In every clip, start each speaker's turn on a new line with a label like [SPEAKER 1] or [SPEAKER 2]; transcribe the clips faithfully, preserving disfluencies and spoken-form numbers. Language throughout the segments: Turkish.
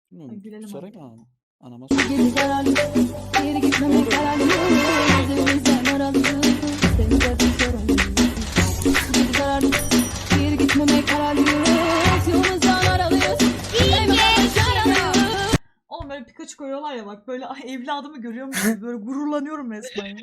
[SPEAKER 1] Ay,
[SPEAKER 2] Bilmiyorum.
[SPEAKER 1] gülelim
[SPEAKER 2] Soray
[SPEAKER 1] abi.
[SPEAKER 2] mı anam? Anama sor.
[SPEAKER 3] Geri zararlı, geri gitmemek kararlı. Gözümüzden aralı, seni de bir sorun. Geri zararlı, geri gitmemek kararlı. Yolumuzdan aralıyız. İyi yaralı.
[SPEAKER 1] Oğlum böyle Pikachu koyuyorlar ya bak böyle ay, evladımı görüyormuş gibi böyle gururlanıyorum resmen ya.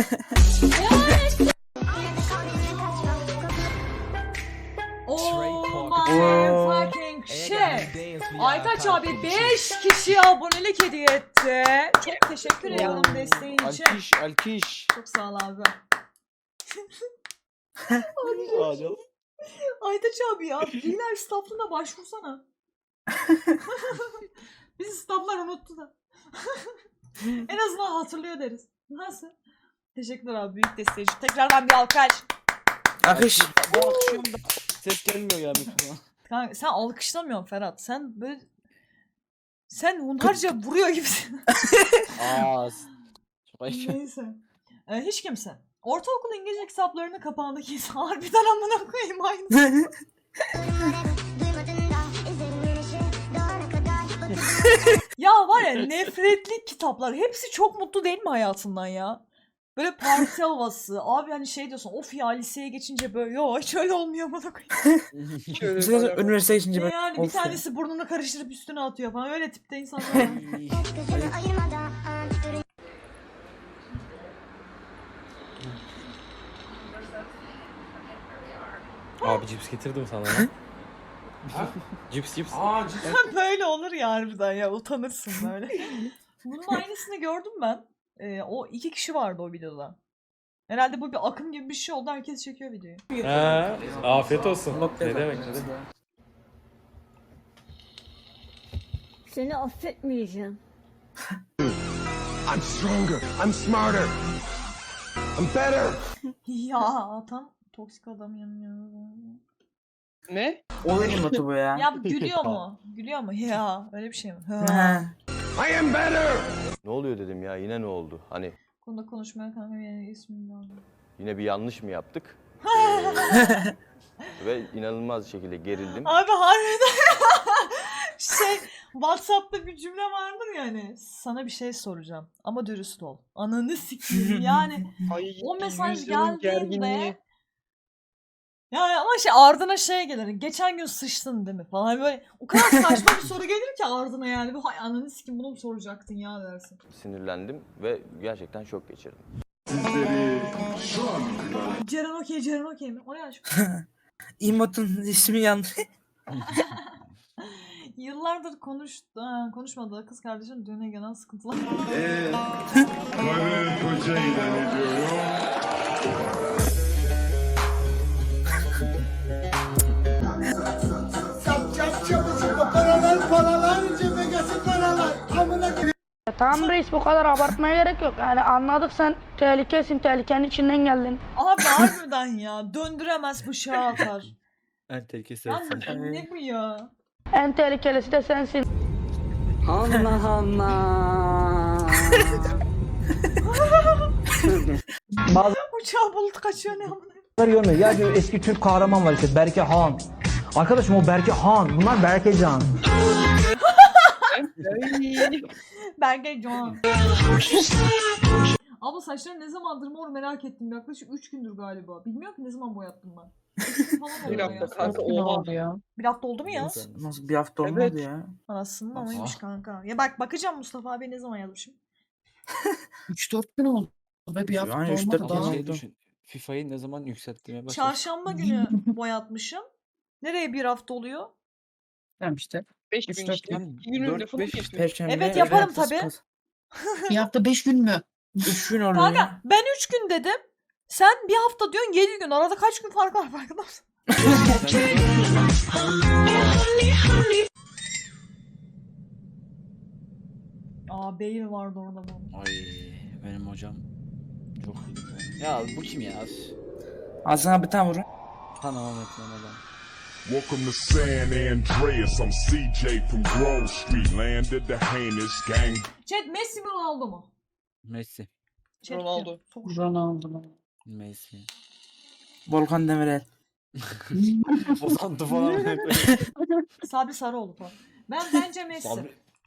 [SPEAKER 1] Oh my fucking shit. Aytaç abi beş kişiye abonelik hediye etti. Çok teşekkür ediyorum desteğin için.
[SPEAKER 2] Alkiş, alkiş.
[SPEAKER 1] Çok sağ ol abi.
[SPEAKER 2] Aa, canım.
[SPEAKER 1] Aytaç abi ya Real staff'ına başvursana. Biz staff'lar unuttu da. En azından hatırlıyor deriz. Nasıl? Teşekkürler abi büyük desteği için. Tekrardan bir alkış.
[SPEAKER 4] Akış.
[SPEAKER 2] Ben alkışlıyorum da ses gelmiyor ya mikrofona.
[SPEAKER 1] Kanka sen alkışlamıyorsun Ferhat. Sen böyle sen hunharca vuruyor gibisin.
[SPEAKER 2] Aa. Çok ayıp.
[SPEAKER 1] Neyse. Ee, hiç kimse. Ortaokul İngilizce kitaplarının kapağındaki harbiden amına koyayım aynı. Ya var ya nefretli kitaplar. Hepsi çok mutlu değil mi hayatından ya? Böyle parti havası. Abi hani şey diyorsun of ya liseye geçince böyle yo hiç öyle olmuyor amına koyayım.
[SPEAKER 4] Mesela üniversite geçince
[SPEAKER 1] Ne
[SPEAKER 4] böyle.
[SPEAKER 1] yani bir
[SPEAKER 4] Of ya.
[SPEAKER 1] tanesi burnunu karıştırıp üstüne atıyor falan. Öyle tipte insanlar var.
[SPEAKER 5] Abi cips getirdim sana. cips cips.
[SPEAKER 6] Aa cidden.
[SPEAKER 1] Böyle olur ya harbiden ya utanırsın böyle. Bunun aynısını gördüm ben. Ee, o iki kişi vardı o videoda. Herhalde bu bir akım gibi bir şey oldu. Herkes çekiyor videoyu.
[SPEAKER 5] Ha, afiyet olsun.
[SPEAKER 4] Yok
[SPEAKER 5] Ne
[SPEAKER 4] demek,
[SPEAKER 5] demek ne
[SPEAKER 4] evet.
[SPEAKER 5] demek.
[SPEAKER 3] Seni affetmeyeceğim.
[SPEAKER 6] I'm stronger. I'm smarter. I'm better.
[SPEAKER 1] Ya tam toksik adam yanıyor.
[SPEAKER 7] Ne?
[SPEAKER 4] Oyun notu bu ya.
[SPEAKER 1] Ya bu gülüyor mu? Gülüyor mu? Ya öyle bir şey mi? Ha.
[SPEAKER 4] Ha.
[SPEAKER 6] I am better.
[SPEAKER 8] Ne oluyor dedim ya, yine ne oldu? Hani
[SPEAKER 1] Konuda konuşmaya kanka benim ismim lazım.
[SPEAKER 8] yine bir yanlış mı yaptık? Ee, ve inanılmaz şekilde gerildim.
[SPEAKER 1] Abi harbiden şey WhatsApp'ta bir cümle vardır ya hani sana bir şey soracağım ama dürüst ol. Ananı sikeyim yani
[SPEAKER 7] Ay,
[SPEAKER 1] o mesaj
[SPEAKER 7] yüzyılın
[SPEAKER 1] geldiğinde
[SPEAKER 7] gerginliği.
[SPEAKER 1] yani ama şey ardına şey gelir. Geçen gün sıçtın değil mi falan böyle o kadar saçma bir soru gelir ki ardına yani. Bu hay ananı sikeyim bunu mu soracaktın ya dersin.
[SPEAKER 8] Sinirlendim ve gerçekten şok geçirdim.
[SPEAKER 1] Ceren okey Ceren okey mi? O ne aşk?
[SPEAKER 4] İmotun ismi yanlış.
[SPEAKER 1] Yıllardır konuş, ha, konuşmadığı kız kardeşim düğüne gelen sıkıntılar.
[SPEAKER 9] Karı koca ilan ediyorum.
[SPEAKER 10] Paralar paralar cebe gelsin paralar. Amına koyayım.
[SPEAKER 7] Tamam reis bu kadar abartmaya gerek yok. Yani anladık sen tehlikesin, tehlikenin içinden geldin.
[SPEAKER 1] Abi harbiden ya döndüremez bıçağı atar.
[SPEAKER 5] En tehlikesi
[SPEAKER 1] Ya
[SPEAKER 5] sensin.
[SPEAKER 1] ne bu ya?
[SPEAKER 7] En tehlikelisi de sensin.
[SPEAKER 10] Allah Allah.
[SPEAKER 1] Uçağı bulut kaçıyor ne amına.
[SPEAKER 10] Görmüyor. Ya diyor eski Türk kahraman var işte Berke Han. Arkadaşım o Berke Han. Bunlar Berke Can.
[SPEAKER 1] Berge Can. Abla saçlarım ne zamandır mor merak ettim. Yaklaşık üç gündür galiba. Bilmiyorum ki ne zaman boyattım ben. üç gün falan oldu
[SPEAKER 7] Bir hafta
[SPEAKER 1] ya.
[SPEAKER 7] kanka oha. Ya.
[SPEAKER 1] Bir hafta oldu mu ya?
[SPEAKER 4] Nasıl bir hafta olmadı
[SPEAKER 7] Evet.
[SPEAKER 4] ya.
[SPEAKER 1] Anasının
[SPEAKER 2] Ah.
[SPEAKER 1] amaymış kanka. Ya bak bakacağım Mustafa abi ne zaman yazmışım.
[SPEAKER 10] üç dört gün oldu. Ve bir
[SPEAKER 4] hafta Yani üç olmadı dört
[SPEAKER 2] Ama
[SPEAKER 4] daha.
[SPEAKER 2] şey düşün. FIFA'yı ne zaman yükseltmeye başladı?
[SPEAKER 1] Çarşamba günü boyatmışım. Nereye bir hafta oluyor?
[SPEAKER 10] Tamam işte.
[SPEAKER 7] beş
[SPEAKER 10] Üç
[SPEAKER 7] gün
[SPEAKER 10] dört
[SPEAKER 7] işte.
[SPEAKER 2] gün.
[SPEAKER 7] İki günün
[SPEAKER 2] Dört,
[SPEAKER 7] lafını
[SPEAKER 2] beş
[SPEAKER 7] geçtim.
[SPEAKER 4] Perşembe.
[SPEAKER 1] Evet, yaparım
[SPEAKER 4] cumartesi,
[SPEAKER 1] tabii.
[SPEAKER 4] pazar.
[SPEAKER 10] Bir hafta beş gün mü?
[SPEAKER 4] Üç gün oluyor.
[SPEAKER 1] Kanka ben üç gün dedim. Sen bir hafta diyorsun yedi gün. Arada kaç gün fark var farkında mısın? Aa Bale vardı orada bu.
[SPEAKER 2] Ay benim hocam. Çok iyi. Ya bu kim ya?
[SPEAKER 4] Ağzına bir tane vurun.
[SPEAKER 2] Tamam etmem adam.
[SPEAKER 9] Welcome to San Andreas. I'm C J from Grove Street, landed the heinous gang.
[SPEAKER 1] Chat Messi mi Ronaldo mu?
[SPEAKER 2] Messi.
[SPEAKER 1] Chat
[SPEAKER 7] Ronaldo.
[SPEAKER 1] diyor. Çok
[SPEAKER 10] Ronaldo.
[SPEAKER 2] Messi.
[SPEAKER 4] Volkan Demirel.
[SPEAKER 2] Bozantı falan.
[SPEAKER 1] Sabri Sarıoğlu falan. Ben bence Messi.
[SPEAKER 2] Sabri,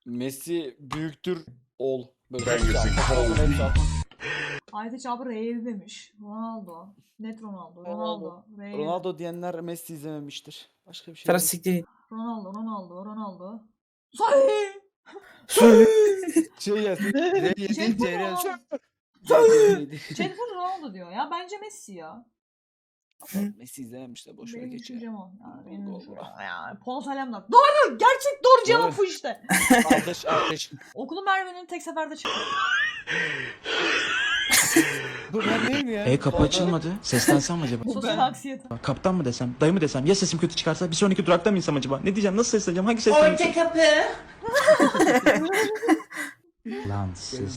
[SPEAKER 2] Messi büyüktür ol. Böyle
[SPEAKER 9] Ben
[SPEAKER 2] hepsi
[SPEAKER 9] kesin
[SPEAKER 2] altı, kafasına hepsi altı.
[SPEAKER 1] Aytaç abi Real demiş. Ronaldo. Net Ronaldo. Ronaldo. Real.
[SPEAKER 2] Ronaldo diyenler Messi izlememiştir. Başka bir şey
[SPEAKER 4] Sana
[SPEAKER 2] değil.
[SPEAKER 4] siktir.
[SPEAKER 1] Ronaldo. Ronaldo. Ronaldo. Say.
[SPEAKER 2] Şey yazsın. R yedi
[SPEAKER 1] Jennifer
[SPEAKER 2] C R
[SPEAKER 1] Ronaldo. Jennifer Ronaldo diyor ya. Bence Messi ya.
[SPEAKER 2] Messi izlememişler. Boş ver
[SPEAKER 1] Benim
[SPEAKER 2] geç ya.
[SPEAKER 1] düşüncem o. Ya, benim
[SPEAKER 2] Allah
[SPEAKER 1] düşüncem
[SPEAKER 2] Allah.
[SPEAKER 1] o ya. Polat Alemdar. Doğru. Gerçek doğru cevap
[SPEAKER 2] Doğru.
[SPEAKER 1] bu işte.
[SPEAKER 2] Kardeş kardeş.
[SPEAKER 1] Okulu Merve'nin tek seferde çıktı.
[SPEAKER 2] Bu ben değil mi ya?
[SPEAKER 10] E kapı açılmadı. Seslensem mi acaba?
[SPEAKER 1] Sosyal anksiyete.
[SPEAKER 10] Kaptan mı desem, dayı mı desem? Ya sesim kötü çıkarsa bir sonraki durakta mı insem acaba? Ne diyeceğim? Nasıl sesleneceğim? Hangi sesleneceğim?
[SPEAKER 3] kapı.
[SPEAKER 10] Lan siz.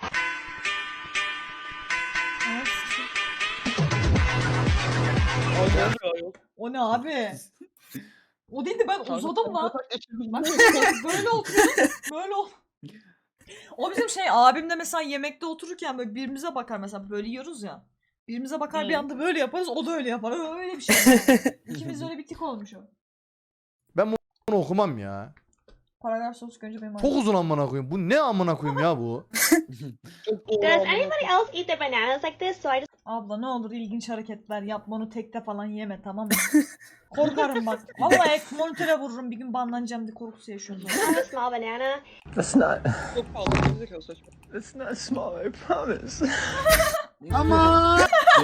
[SPEAKER 1] O ne abi? O değil de ben uzadım lan. Bak böyle oturuyorum. Böyle ol. O bizim şey abim de mesela yemekte otururken böyle birbirimize bakar mesela böyle yiyoruz ya. Birbirimize bakar bir anda böyle yaparız o da öyle yapar. Öyle bir şey. İkimiz öyle bir tik olmuş o.
[SPEAKER 11] Bunu okumam ya.
[SPEAKER 1] Paragraf sorusu önce benim
[SPEAKER 11] Çok uzun amına koyayım. Bu ne amına koyayım ya bu?
[SPEAKER 3] Does anybody else eat their bananas like this? So I just
[SPEAKER 1] Abla ne olur ilginç hareketler yapma onu tekte falan yeme tamam mı? Korkarım bak. Vallahi monitöre vururum bir gün banlanacağım diye korkusu yaşıyorum.
[SPEAKER 3] have a small banana.
[SPEAKER 10] That's not.
[SPEAKER 6] It's not small, I promise.
[SPEAKER 11] Ama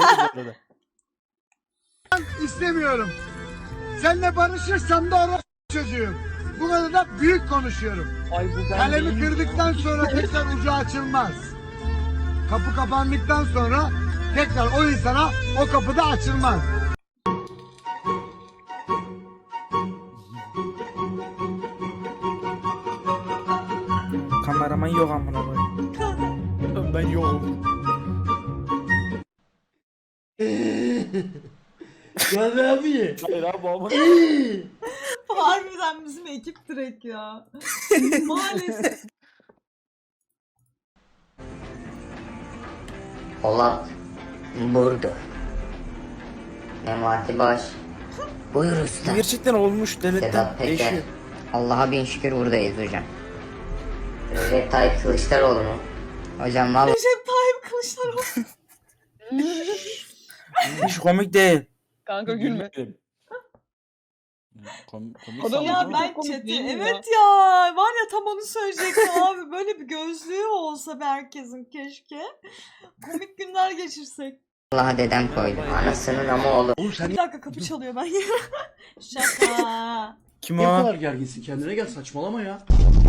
[SPEAKER 6] İstemiyorum. Seninle barışırsam da orası çocuğum. Bu kadar da büyük konuşuyorum. Kalemi kırdıktan sonra tekrar ucu açılmaz. Kapı kapandıktan sonra tekrar o insana o kapı da açılmaz.
[SPEAKER 4] Kameraman yok amına koyayım.
[SPEAKER 2] Ben yokum.
[SPEAKER 11] ya ne abi?
[SPEAKER 2] Hayır abi ama.
[SPEAKER 1] Harbiden bizim ekip direkt ya. Maalesef.
[SPEAKER 3] Polat burada. Memati Baş. Buyur usta.
[SPEAKER 4] Gerçekten olmuş devletten değişiyor.
[SPEAKER 3] Allah'a bin şükür buradayız hocam. Recep Tayyip Kılıçdaroğlu mu? Hocam vallahi
[SPEAKER 1] Recep Tayyip Kılıçdaroğlu.
[SPEAKER 4] Hiç komik değil.
[SPEAKER 2] Kanka gülme. Kom komik
[SPEAKER 1] Ya
[SPEAKER 2] sandım
[SPEAKER 1] ben
[SPEAKER 2] ama.
[SPEAKER 1] chat'i evet ya var ya tam onu söyleyecektim abi böyle bir gözlüğü olsa bir herkesin keşke komik günler geçirsek.
[SPEAKER 3] Allah'a dedem koydu. Anasının ama oğlu.
[SPEAKER 1] Bir dakika kapı çalıyor ben şaka.
[SPEAKER 4] Kim o?
[SPEAKER 10] gerginsin? Kendine gel, saçmalama ya.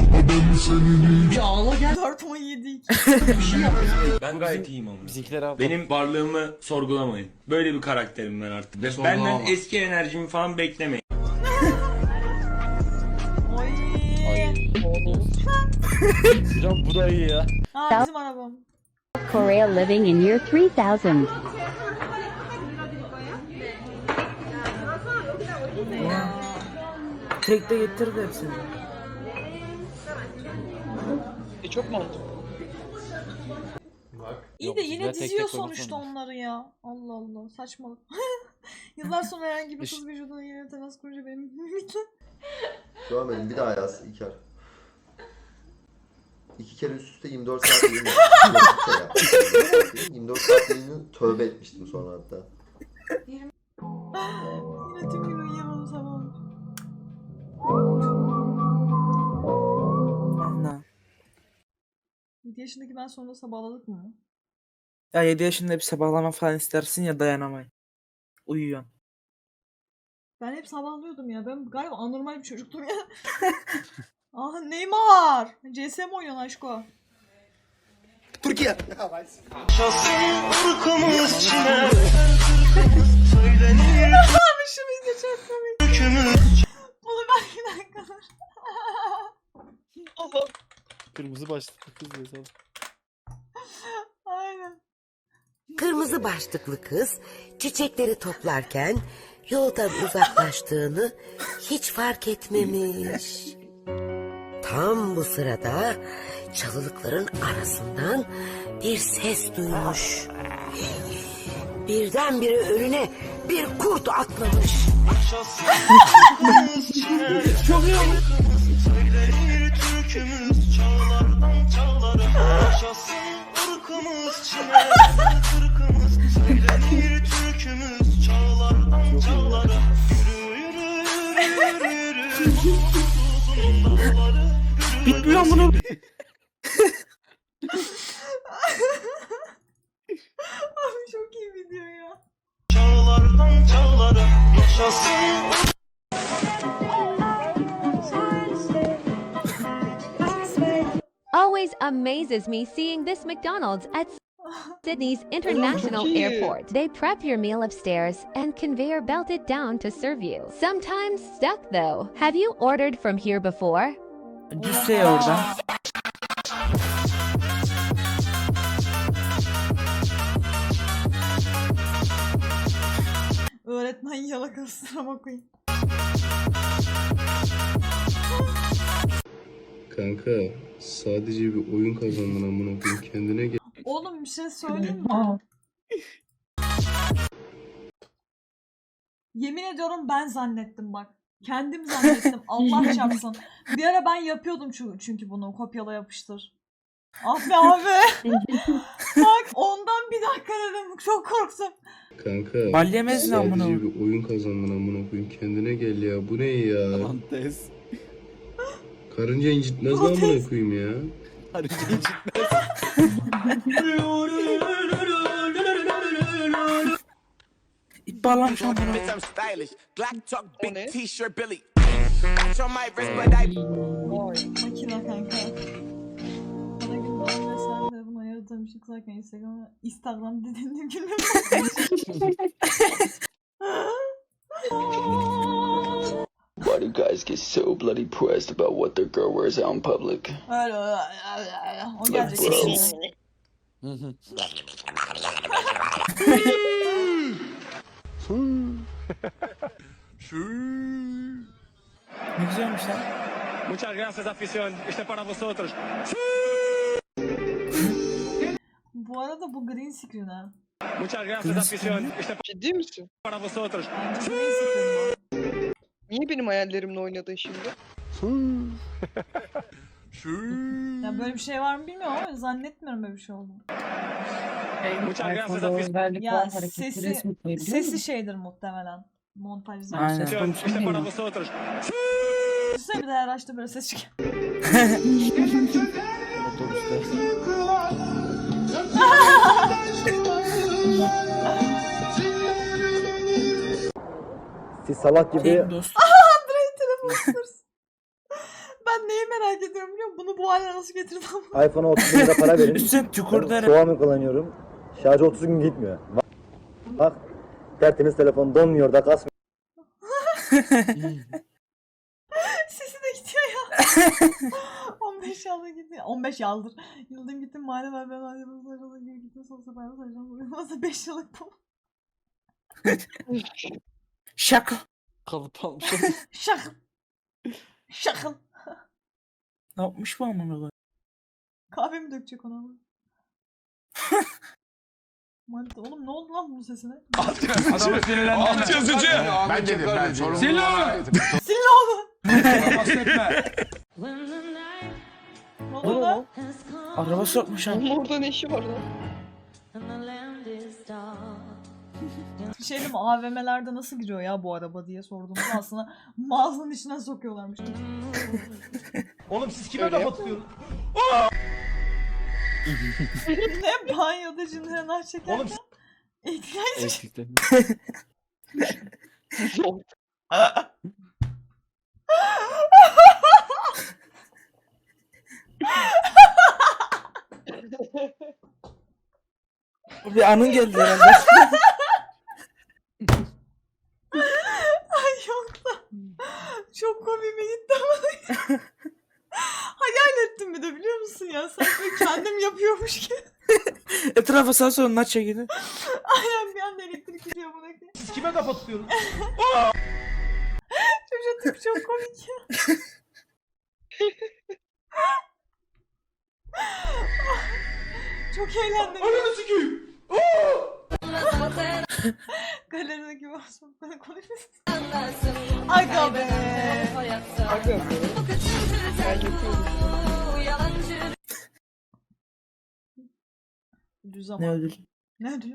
[SPEAKER 1] dört on yedi
[SPEAKER 5] Ben gayet iyiyim ama.
[SPEAKER 2] Bizimkiler abi.
[SPEAKER 5] Benim varlığımı sorgulamayın. Böyle bir karakterim ben artık. Ve benden eski enerjimi falan beklemeyin.
[SPEAKER 1] Oy.
[SPEAKER 2] Hocam bu da iyi ya.
[SPEAKER 1] Ha bizim arabam.
[SPEAKER 3] Korea living in year three thousand.
[SPEAKER 4] Tek de getirdi hepsini.
[SPEAKER 1] İyi
[SPEAKER 2] Yok,
[SPEAKER 1] de
[SPEAKER 2] bizimkiler
[SPEAKER 1] yine
[SPEAKER 2] tek
[SPEAKER 1] diziyor
[SPEAKER 2] tek koymak
[SPEAKER 1] sonuçta
[SPEAKER 2] zorunda.
[SPEAKER 1] onları ya. Allah Allah saçmalık. Yıllar sonra herhangi bir kız vücuduna yine temas kurunca benim mimikle.
[SPEAKER 6] Görmedim bir daha yaz İlker. İki kere üst üste yirmi dört saat yayın yaptım. yirmi dört saat yayını tövbe etmiştim sonra hatta.
[SPEAKER 1] Yine tüm gün uyuyamam sabah.
[SPEAKER 4] Ana.
[SPEAKER 1] yedi yaşındaki ben sonra sabahladık mı?
[SPEAKER 4] Ya yedi yaşında bir sabahlama falan istersin ya dayanamayın. Uyuyorsun.
[SPEAKER 1] Ben hep sabahlıyordum ya. Ben galiba anormal bir çocuktum ya. Aha Neymar. C S mi oynuyorsun aşko?
[SPEAKER 6] Türkiye.
[SPEAKER 1] Abi şu video çok komik. Bunu ben bir dakika dur.
[SPEAKER 2] Kırmızı başlıklı kız mesela.
[SPEAKER 1] Aynen.
[SPEAKER 3] Kırmızı başlıklı kız çiçekleri toplarken yoldan uzaklaştığını hiç fark etmemiş. Tam bu sırada çalılıkların arasından bir ses duymuş. Birdenbire önüne bir kurt atlamış.
[SPEAKER 4] Çok iyi olmuş.
[SPEAKER 12] Kırkımız çile, kırkımız söylenir türkümüz çağlardan çağlara. Yürü yürü yürü yürü yürü uzun dağları.
[SPEAKER 4] Bitmiyor bunu.
[SPEAKER 1] Abi çok iyi video ya.
[SPEAKER 12] Çağlardan çağlara yaşasın.
[SPEAKER 3] Always amazes me seeing this McDonald's at Sydney's International Airport. They prep your meal upstairs and conveyor belt it down to serve you. Sometimes stuck though. Have you ordered from here before?
[SPEAKER 4] Düşse ya oradan.
[SPEAKER 1] Öğretmen yalakasına bakayım.
[SPEAKER 13] Kanka sadece bir oyun kazandın amına koyayım, kendine gel.
[SPEAKER 1] Oğlum bir şey söyleyeyim mi? Yemin ediyorum ben zannettim bak. Kendim zannettim. Allah çarpsın. Bir ara ben yapıyordum çünkü, çünkü bunu kopyala yapıştır. Ah be abi. Bak ondan bir dakika dedim. Çok korktum.
[SPEAKER 13] Kanka
[SPEAKER 4] Bal yemezsin amına
[SPEAKER 13] sadece
[SPEAKER 4] koyayım.
[SPEAKER 13] bir oyun kazandın amına koyayım, kendine gel ya, bu ne ya?
[SPEAKER 2] Antes.
[SPEAKER 13] Karınca incitmez lan amına koyayım ya.
[SPEAKER 2] Karınca incitmez.
[SPEAKER 4] İp bağlamış amına.
[SPEAKER 1] Makine kanka. Bana gün doğum ve sen de bunu ayırdığım ışık zaten Instagram'a Instagram dediğinde gülmem.
[SPEAKER 12] Why do guys get so bloody pressed about what their girl wears out in public?
[SPEAKER 1] Öyle öyle. O gelecek şimdi.
[SPEAKER 4] Ne güzelmiş lan.
[SPEAKER 12] Muchas gracias afición. Este para vosotros.
[SPEAKER 1] Bu arada bu green screen ha.
[SPEAKER 12] Muchas gracias afición. Este
[SPEAKER 14] Ciddi misin?
[SPEAKER 12] para vosotros.
[SPEAKER 1] Bence green screen bu.
[SPEAKER 14] Niye benim hayallerimle oynadın şimdi?
[SPEAKER 1] Ya böyle bir şey var mı bilmiyorum ama zannetmiyorum böyle bir şey olduğunu.
[SPEAKER 12] Muchas gracias afición.
[SPEAKER 1] Ya sesi, sesi şeydir muhtemelen. Montajda.
[SPEAKER 4] Aynen.
[SPEAKER 12] Este para vosotros.
[SPEAKER 1] Düşünsene bir de her açta böyle ses çıkıyor.
[SPEAKER 2] Otobüste.
[SPEAKER 10] Siz salak gibi
[SPEAKER 4] Tek dost.
[SPEAKER 1] Android telefon sırsı. Ben neyi merak ediyorum biliyor musun? Bunu bu hale nasıl getirdim?
[SPEAKER 10] iPhone'a otuz bin lira para verin.
[SPEAKER 4] Üstten tükürdü herhalde.
[SPEAKER 10] Xiaomi kullanıyorum. Şarjı otuz gün gitmiyor. Bak, bak tertemiz telefon donmuyor da kasmıyor.
[SPEAKER 1] Sesi de gidiyor ya. on beş yılda gidiyor. on beş yıldır. Yıldım gittim madem ben ben ayrıldım sarıldım gibi gittim sonra sefer sarıldım. Uyumazsa beş yıllık bu.
[SPEAKER 4] Şaka.
[SPEAKER 2] Kalıp almış.
[SPEAKER 1] Şakıl. Şakıl.
[SPEAKER 4] Ne yapmış bu amına koyayım?
[SPEAKER 1] Kahve mi dökecek ona? Manita oğlum ne oldu lan bunun sesine?
[SPEAKER 12] Adamı sinirlendirme. Alt yazıcı. Ben dedim ben. Sil onu.
[SPEAKER 1] Sil oğlum. Ne oldu lan?
[SPEAKER 4] Araba sokmuş ha.
[SPEAKER 14] Onun orada ne işi var lan?
[SPEAKER 1] Bir şey diyeyim mi? A V M'lerde nasıl giriyor ya bu araba diye sorduğumda aslında mağazanın içine sokuyorlarmış.
[SPEAKER 11] Oğlum siz kime laf atıyorsunuz?
[SPEAKER 1] Ne banyoda cinler çekerken?
[SPEAKER 11] Oğlum
[SPEAKER 1] İhtiyaç
[SPEAKER 2] Eksikten.
[SPEAKER 4] Bir anın geldi herhalde.
[SPEAKER 1] Ay yok da. Çok komiğime gitti ama. Hayal ettim bir de biliyor musun ya? Sanki böyle kendim yapıyormuş gibi.
[SPEAKER 4] Etrafa sağ soluna çekildi.
[SPEAKER 1] Aynen bir anda elektrik gidiyor buna.
[SPEAKER 11] siz kime laf atıyorsunuz?
[SPEAKER 1] Çocuk tip çok komik ya. Çok eğlendim.
[SPEAKER 11] Ananı sikeyim.
[SPEAKER 1] Galerideki basmakla konuşuyorsun. Aga be.
[SPEAKER 14] Aga be. Ben yapıyorum.
[SPEAKER 1] Düz ama.
[SPEAKER 4] Ne ödül?
[SPEAKER 1] Ne ödülü?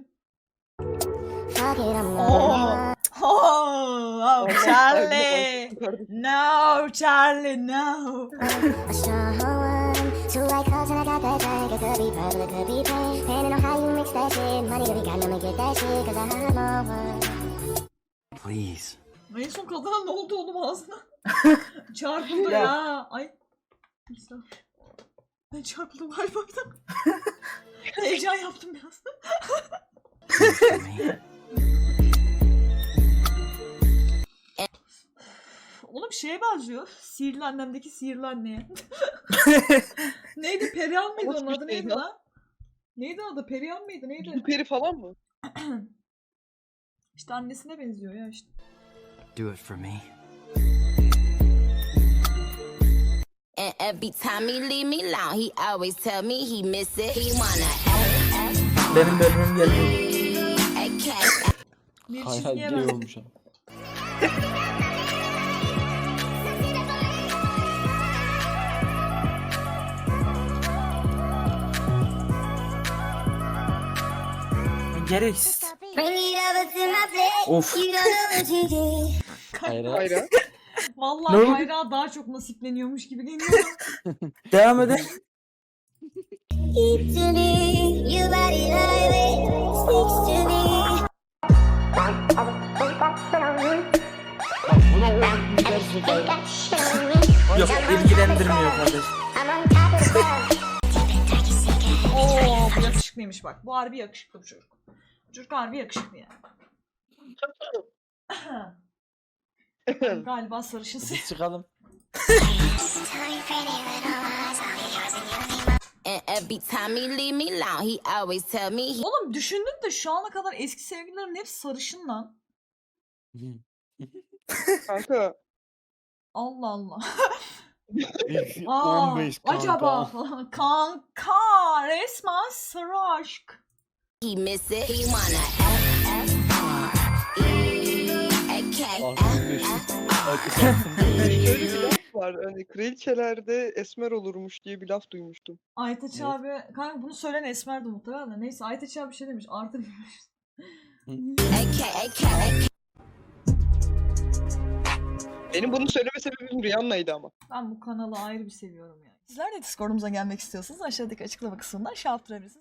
[SPEAKER 1] Oh, oh, oh, Charlie. No, Charlie, no.
[SPEAKER 2] Please.
[SPEAKER 1] En son kadına ne oldu oğlum ağzına? Çarpıldı
[SPEAKER 4] Ya.
[SPEAKER 1] ya. Ay. Neyse. Ben çarpıldım galiba bir dakika. Heyecan yaptım biraz. Oğlum şeye benziyor. Sihirli annemdeki sihirli anneye. Neydi? Perihan mıydı onun adı neydi lan? Neydi adı? Perihan mıydı? Neydi?
[SPEAKER 14] Bu peri falan mı?
[SPEAKER 1] İşte annesine benziyor ya işte.
[SPEAKER 2] Do it for me.
[SPEAKER 3] And every time he leave me alone, he always tell me he miss it. He wanna
[SPEAKER 4] Benim bölümüm geldi.
[SPEAKER 1] Bir
[SPEAKER 8] Hayal
[SPEAKER 1] çizgiye
[SPEAKER 8] gay
[SPEAKER 1] ben.
[SPEAKER 8] olmuş ama.
[SPEAKER 4] Gereksiz. Of.
[SPEAKER 8] Hayra.
[SPEAKER 14] Hayra.
[SPEAKER 1] Vallahi
[SPEAKER 4] Ne oldu?
[SPEAKER 1] bayrağı daha çok nasipleniyormuş gibi geliyor.
[SPEAKER 4] Devam edelim. Yok ilgilendirmiyor kardeş.
[SPEAKER 1] Oo, bu yakışıklıymış bak. Bu harbi yakışıklı bu çocuk. Bu çocuk harbi yakışıklı yani. Galiba sarışın.
[SPEAKER 8] Biz çıkalım.
[SPEAKER 3] And every time he leave me alone, he always tell me he
[SPEAKER 1] Oğlum düşündün de şu ana kadar eski sevgililerimin hepsi sarışın lan.
[SPEAKER 14] Kanka.
[SPEAKER 1] Allah Allah. Aa,
[SPEAKER 8] on beş kanka.
[SPEAKER 1] acaba kanka resmen sarı aşk.
[SPEAKER 3] he miss it. He wanna F F R E A K
[SPEAKER 8] altmış beş.
[SPEAKER 14] Şöyle bir laf var. Hani kraliçelerde esmer olurmuş diye bir laf duymuştum.
[SPEAKER 1] Aytaç abi, kanka bunu söyleyen Esmer'di muhtemelen de. Neyse Aytaç abi bir şey demiş. Artı bilmiş.
[SPEAKER 3] A K A K A K.
[SPEAKER 14] Benim bunu söyleme sebebim Rihanna'ydı ama.
[SPEAKER 1] Ben bu kanalı ayrı bir seviyorum yani. Sizler de Discord'umuza gelmek istiyorsanız aşağıdaki açıklama kısmından şey yaptırabilirsiniz.